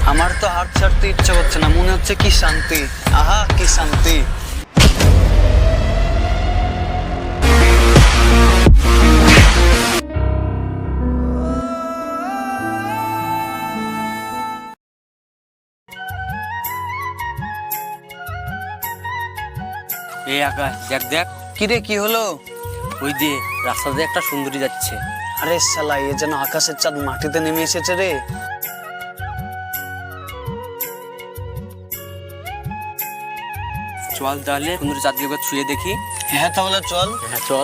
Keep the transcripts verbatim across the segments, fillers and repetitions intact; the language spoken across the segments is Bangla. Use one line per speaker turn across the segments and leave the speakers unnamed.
আমার তো হাত ছাড়তে ইচ্ছা করছে না, মনে হচ্ছে কি শান্তি। আহা কি শান্তি।
এই আকাশ দেখ দেখ।
কি রে, কি হলো?
ওই দিয়ে রাস্তা দিয়ে একটা সুন্দরী যাচ্ছে।
আরে শালা, এ যেন আকাশের চাঁদ মাটিতে নেমে এসেছে রে।
চল তাহলে সুন্দরী চাঁদকে একবার ছুঁয়ে দেখি।
হ্যাঁ তাহলে চল।
হ্যাঁ চল।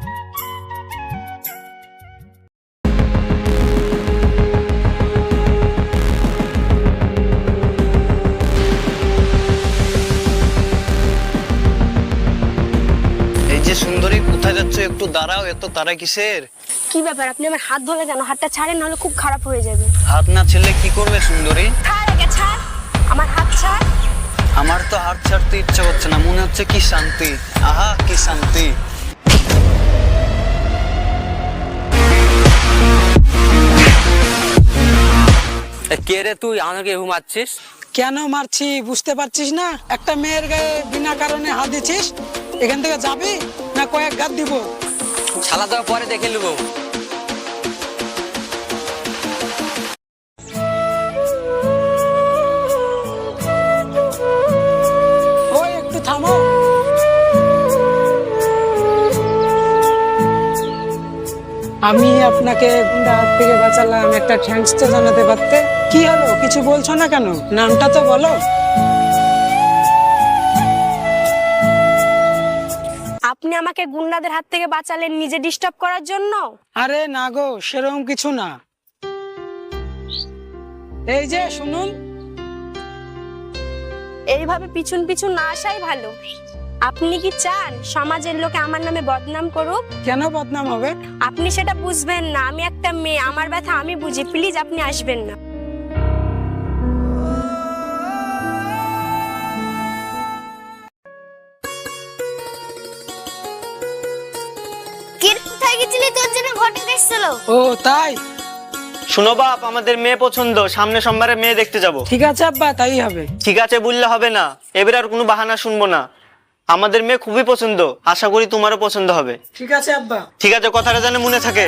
এই যে সুন্দরী, কোথায় যাচ্ছ? একটু দাঁড়াও, এত তারা কিসের?
কি ব্যাপার, আপনি আমার হাত ধরে কেন? হাতটা ছাড়েন, নাহলে খুব খারাপ হয়ে যাবে।
হাত না ছেলে কি করবে সুন্দরী?
ছাড় আগে, ছাড় আমার হাত, ছাড়।
আমার তো হাত ছাড়তে ইচ্ছা করছে না, মনে হচ্ছে কি শান্তি। আহা কি শান্তি।
কে রে তুই, আমাকে এভাবে মারছিস?
কেন মারছি বুঝতে পারছিস না? একটা মেয়ের গায়ে বিনা কারণে হাত দিছিস। এখান থেকে যাবি না কয়েক গাদ দিব?
শালা দেওয়া পরে দেখে নেবো।
ওই একটু থামো। আমি আপনাকে গুন্ডা হাত থেকে বাঁচালাম, একটা থ্যাঙ্কস তো জানাতে পারতে। কি হলো, কিছু বলছো না কেন? নামটা তো বলো।
আপনি আমাকে গুন্ডাদের হাত থেকে বাঁচালেন নিজে ডিস্টার্ব করার জন্য?
আরে না গো, সেরকম কিছু না। এই যে শুনুন,
এইভাবে পিছন পিছন না আসাই ভালো। আপনি কি চান সমাজের লোকে আমার নামে বদনাম করুক?
কেন বদনাম হবে?
আপনি সেটা বুঝবেন না। আমি একটা মেয়ে, আমার ব্যথা আমি বুঝি। প্লিজ আপনি আসবেন না।
কি রে, কোথায় গেছিলি? তোর জন্য ঘটে এসেছিল।
ও তাই?
শুনো বাপ, আমাদের মেয়ে পছন্দ, সামনে সোমবারে মেয়ে দেখতে যাব।
ঠিক আছে আব্বা, তাই হবে।
ঠিক আছে বললে হবে না, এবার আর কোনো বাহানা শুনবো না। আমাদের মেয়ে খুবই পছন্দ, আশা করি তোমারও পছন্দ হবে।
ঠিক আছে আব্বা।
ঠিক আছে, কথাটা যেন মনে থাকে।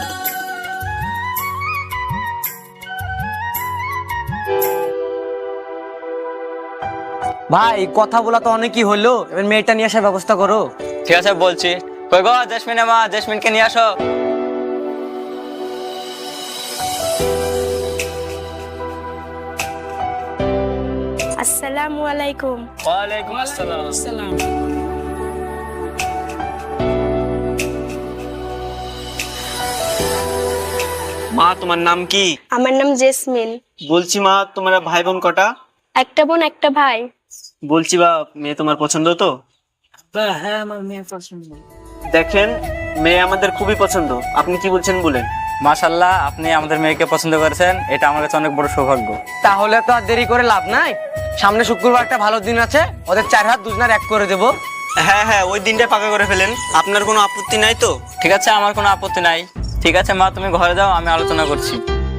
ভাই কথা বলা তো অনেকই হলো, এবার মেয়েটা নিয়ে আসার ব্যবস্থা করো।
ঠিক আছে বলছি। কই গো জেসমিন, মা জেসমিনকে নিয়ে আসো।
আসসালামু আলাইকুম।
ওয়ালাইকুম আসসালাম।
আসসালাম।
মা তোমার নাম কি?
আমার নাম জেসমিন।
বলছি মা, তোমার ভাই বোন কটা?
একটা বোন একটা ভাই।
বলছি বাপ, মেয়ে তোমার পছন্দ তো?
হ্যাঁ, আমার মেয়ে পছন্দ।
দেখেন, মেয়ে আমাদের খুবই পছন্দ, আপনি কি বলছেন বলেন।
মাশাআল্লাহ, আপনি আমাদের মেয়েকে পছন্দ করেছেন, এটা আমার কাছে অনেক বড় সৌভাগ্য।
তাহলে তো আর দেরি করে লাভ নাই। সামনে শুক্রবার একটা ভালো দিন আছে, ওদের চার হাত দুজনের এক করে দেবো।
হ্যাঁ হ্যাঁ, ওই দিনটা পাকা করে ফেলেন। আপনার কোনো আপত্তি নাই তো?
ঠিক আছে, আমার কোনো আপত্তি নাই। ঠিক আছে মা, তুমি ঘরে যাও, আমি আলোচনা করছি।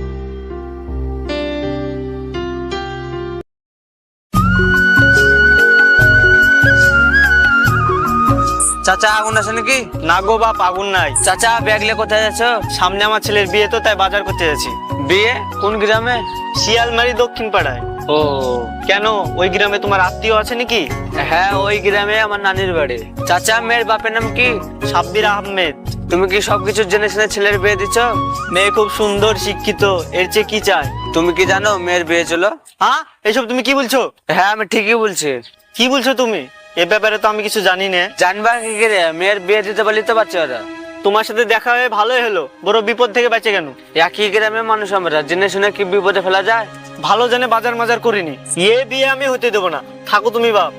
চাচা আগুন আছে নাকি?
না গো বাপ, আগুন নাই।
চাচা ব্যাগলে কোথায় যাচ্ছ?
সামনে আমার ছেলের বিয়ে তো, তাই বাজার করতে যাচ্ছি।
বিয়ে কোন গ্রামে?
শিয়ালমারি দক্ষিণ পাড়ায়।
ও
কেন, ওই গ্রামে তোমার আত্মীয় আছে নাকি?
হ্যাঁ, ওই গ্রামে আমার নানির বাড়ি। চাচা, মেয়ের বাপের নাম কি?
সাব্বির আহমেদ।
তুমি কি সবকিছু জেনে শুনে ছেলের বিয়ে দিচ্ছ?
মেয়ে খুব সুন্দর, শিক্ষিত, এর চেয়ে কি চায়?
তুমি কি জানো মেয়ের বিয়ে ছিল?
হ্যাঁ, এসব তুমি কি বলছো?
হ্যাঁ আমি ঠিকই বলছি।
কি বলছো তুমি? এ ব্যাপারে তো আমি কিছু জানি না।
জানবা কি করে? মেয়ের বিয়ে দিতে পারলি তো বাচ্চা ওরা।
তোমার সাথে দেখা হয়ে ভালোই হলো, বড় বিপদ থেকে বেঁচে কেন?
একই গ্রামের মানুষ আমরা, জেনে শুনে কি বিপদে ফেলা যায়?
ভালো জানে বাজার মাজার করিনি। এ বিয়ে আমি হতে দেবো না, থাকো তুমি বাপ।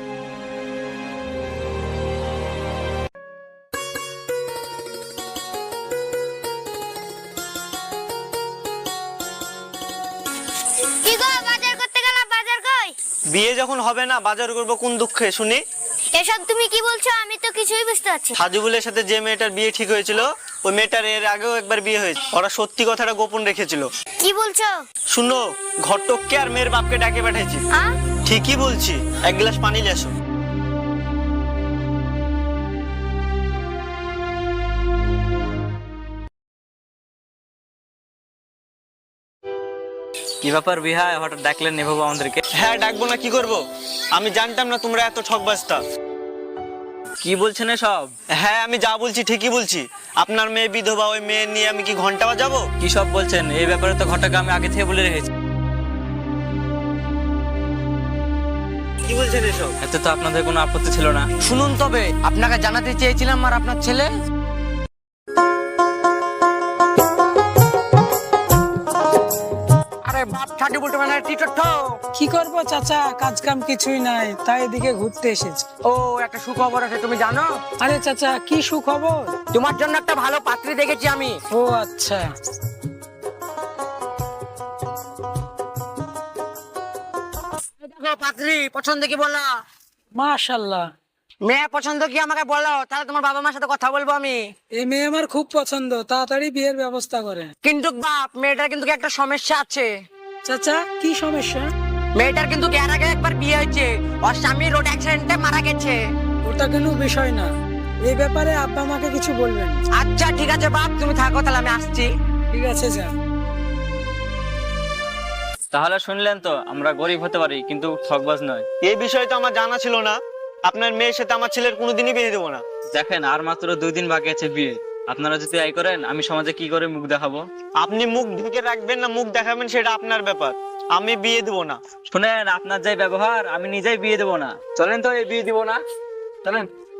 কি গো, বাজার করতে গেলাম, বাজার কই?
বিয়ে যখন হবে না, বাজার করবো কোন দুঃখে শুনি?
এসব তুমি কি বলছো? আমি তো কিছুই বুঝতে পারছি না।
সাজুবুলের সাথে যে মেয়েটার বিয়ে ঠিক হয়েছিল, ওই মেয়েটার এর আগেও একবার বিয়ে হয়েছে, ওরা সত্যি কথাটা গোপন রেখেছিল।
কি বলছো?
শুনো, ঘটককে আর মেয়ের বাপকে ডাকে পাঠাইছি।
হ্যাঁ?
ঠিকই বলছি, এক গ্লাস পানি নিয়ে আসো।
কি ব্যাপার বিহায়, হঠাৎ ডাকলেন এভাবে আমাদেরকে?
হ্যাঁ, ডাকবো না কি করব? আমি জানতাম না তোমরা এত ঠকবাজতা।
কি বলছেন এসব?
হ্যাঁ, আমি যা বলছি ঠিকই বলছি। আপনার মেয়ে বিধবা, ওই মেয়ে নিয়ে আমি কি ঘন্টা বাজাবো?
কি সব বলছেন? এই ব্যাপারে তো ঘটক আমি আগে থেকে বলে রেখেছি।
কি বলছেন এসব?
এতে তো আপনাদের কোনো আপত্তি ছিল না।
শুনুন, তবে আপনাকে জানাতে চেয়েছিলাম আর আপনার ছেলে আরে বাপ ছাটি বুলটে মানে টিটট।
কি করব চাচা, কাজ কাম কিছুই নাই, তাই এদিকে ঘুরতে এসেছি।
ও, একটা সুখবর আছে, তুমি জানো?
আরে চাচা, কি সুখবর?
তোমার জন্য একটা ভালো পাত্রী দেখেছি আমি।
ও আচ্ছা।
দেখো পাত্রী, পছন্দ কি বলো?
মাশাআল্লাহ,
মেয়ে পছন্দ কি আমাকে বলো, তাহলে তোমার বাবা মার সাথে কথা বলবো আমি।
এই মেয়ে আমার খুব পছন্দ, তাড়াতাড়ি বিয়ের ব্যবস্থা করে।
কিন্তু বাপ, মেয়েটার কিন্তু একটা সমস্যা আছে।
চাচা, কি সমস্যা?
মেয়েটার কিন্তু এর আগে একবার বিয়ে হয়েছে, ওর স্বামী রোড অ্যাক্সিডেন্টে মারা গেছে।
ওটা কোনো বিষয় না, এই ব্যাপারে আব্বা আমাকে কিছু বলবেন।
আচ্ছা ঠিক আছে বাপ, তুমি থাকো, তাহলে আমি আসছি।
ঠিক আছে যা।
তাহলে শুনলেন তো, আমরা গরিব হতে পারি কিন্তু ঠকবাজ নয়।
এই বিষয়ে তো আমার জানা ছিল না। আপনার মেয়ের সাথে আমার ছেলের কোনোদিনই বিয়ে দেবো না।
দেখেন, আর মাত্র দুই দিন বাকি আছে বিয়ে। আপনারা যদি এই করেন, আমি সমাজে কি করে মুখ দেখাবো?
আপনি মুখ ঢেকে রাখবেন না মুখ দেখাবেন সেটা আপনার ব্যাপার, আমি বিয়ে দেবো না।
শুনেন, আপনার যে ব্যবহার, আমি নিজেই বিয়ে দেবো না। চলেন তো, এই বিয়ে দিব না, চলেন।